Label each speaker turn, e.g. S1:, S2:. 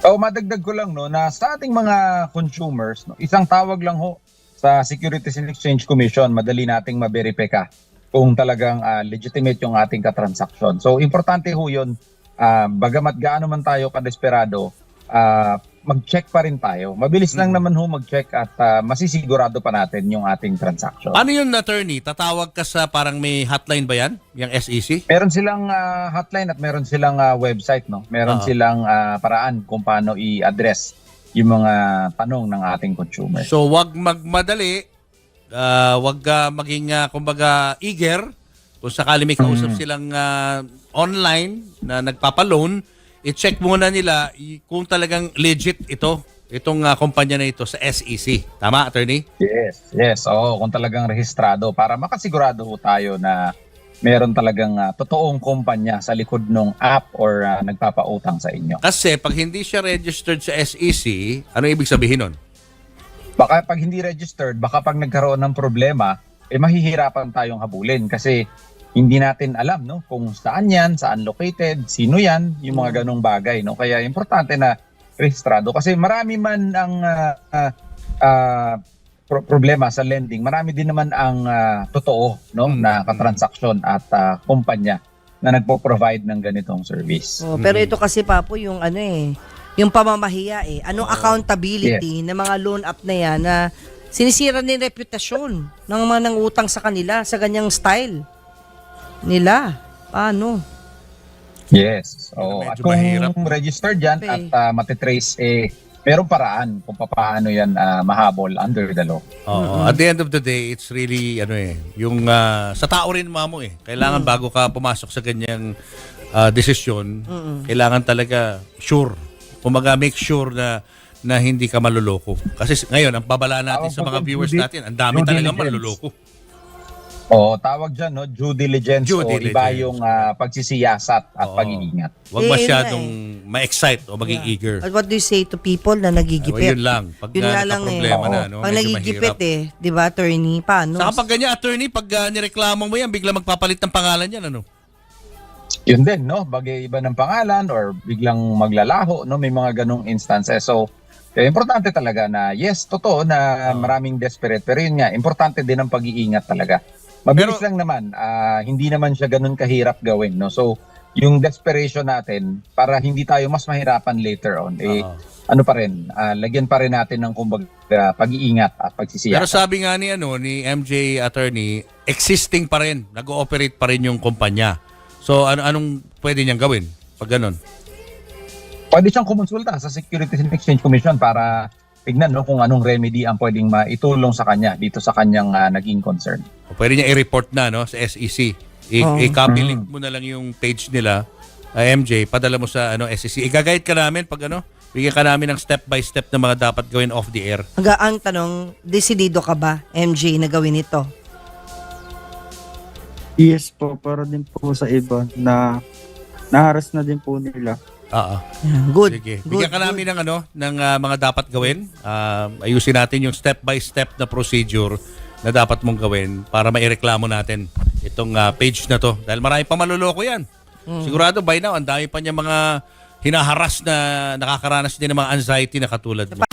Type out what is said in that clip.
S1: O madagdag ko lang no na sa ating mga consumers, no, isang tawag lang ho sa Securities and Exchange Commission, madali nating ma-verify kung talagang legitimate yung ating katransaksyon. So importante ho 'yun. Bagamat gaano man tayo kadesperado, mag-check pa rin tayo. Mabilis lang naman ho mag-check at masisigurado pa natin yung ating transaction.
S2: Ano yun, attorney? Tatawag ka sa parang may hotline ba yan? Yung SEC?
S1: Meron silang hotline at meron silang website, no? Meron silang paraan kung paano i-address yung mga tanong ng ating consumer.
S2: So, wag magmadali. Wag maging, kumbaga, eager. Kung sakali may kausap silang online na nagpapaloan, i-check muna nila kung talagang legit itong kumpanya na ito sa SEC. Tama, attorney?
S1: Yes. Oo, kung talagang rehistrado para makasigurado ho tayo na meron talagang totoong kumpanya sa likod ng app or nagpapautang sa inyo.
S2: Kasi pag hindi siya registered sa SEC, ano ibig sabihin nun?
S1: Baka pag hindi registered, baka pag nagkaroon ng problema, mahihirapan tayong habulin kasi hindi natin alam no kung saan yan, saan located, sino yan, yung mga ganong bagay. No? Kaya importante na rehistrado kasi marami man ang problema sa lending, marami din naman ang totoo no na katransaksyon at kumpanya na nagpo-provide ng ganitong service.
S3: Pero ito kasi papo yung yung pamamahiya Anong accountability ng mga loan app na yan na sinisira din reputasyon ng mga nangutang sa kanila sa ganyang style nila. Paano?
S1: Yes. At
S2: Medyo
S1: kung
S2: mahirap.
S1: registered yan at matitrace, merong paraan kung paano yan mahabol under the law.
S2: At the end of the day, it's really yung sa tao rin mamo Kailangan bago ka pumasok sa ganyang desisyon, kailangan talaga sure. Kumaga make sure na hindi ka maluloko. Kasi ngayon, ang babala natin sa mga viewers natin, ang dami talaga maluloko.
S1: Tawag dyan, no? Due diligence. Iba yung pagsisiyasat at pag-iingat.
S2: Huwag masyadong ma-excite o maging eager.
S3: At what do you say to people na nagigipit?
S2: Yun lang. Pag
S3: Yun nga lang
S2: problema na, no?
S3: Pag
S2: Medyo
S3: nagigipit
S2: mahirap.
S3: di ba, attorney? Paano?
S2: Saka pag ganyan, attorney, pag nireklamo mo yan, bigla magpapalit ng pangalan yan, ano?
S1: Yun din, no? Bagay iba ng pangalan or biglang maglalaho, no? May mga ganong instances. So, importante talaga na, yes, totoo na maraming desperate. Pero yun nga, importante din ang pag-iingat talaga. Mabilis lang naman, hindi naman siya ganun kahirap gawin, no? So, yung desperation natin, para hindi tayo mas mahirapan later on, ano pa rin, lagyan pa rin natin ng kumbaga pag-iingat at pagsisiyasat.
S2: Pero sabi nga ni MJ attorney, existing pa rin, nag-ooperate pa rin yung kumpanya. So, anong pwede niyang gawin pag ganun?
S1: Pwede siyang kumonsulta sa Securities and Exchange Commission para tignan no kung anong remedy ang pwedeng maitulong sa kanya dito sa kanyang naging concern.
S2: O pwede niya i-report na no sa SEC. I-copy link mo na lang yung page nila, MJ, padala mo sa SEC. I-guide ka namin pag bigyan ka namin ng step by step na mga dapat gawin off the air.
S3: Ang tanong, desidido ka ba, MJ, na gawin ito?
S4: Yes po, para din po sa iba na naharas na din po nila.
S3: Good.
S2: Sige. Bigyan ka namin ng mga dapat gawin. Ayusin natin yung step by step na procedure na dapat mong gawin para maireklamo natin itong page na to. Dahil marami pa maluloko yan. Sigurado by now, ang dami pa niya mga hinaharas na nakakaranas din ng mga anxiety na katulad mo.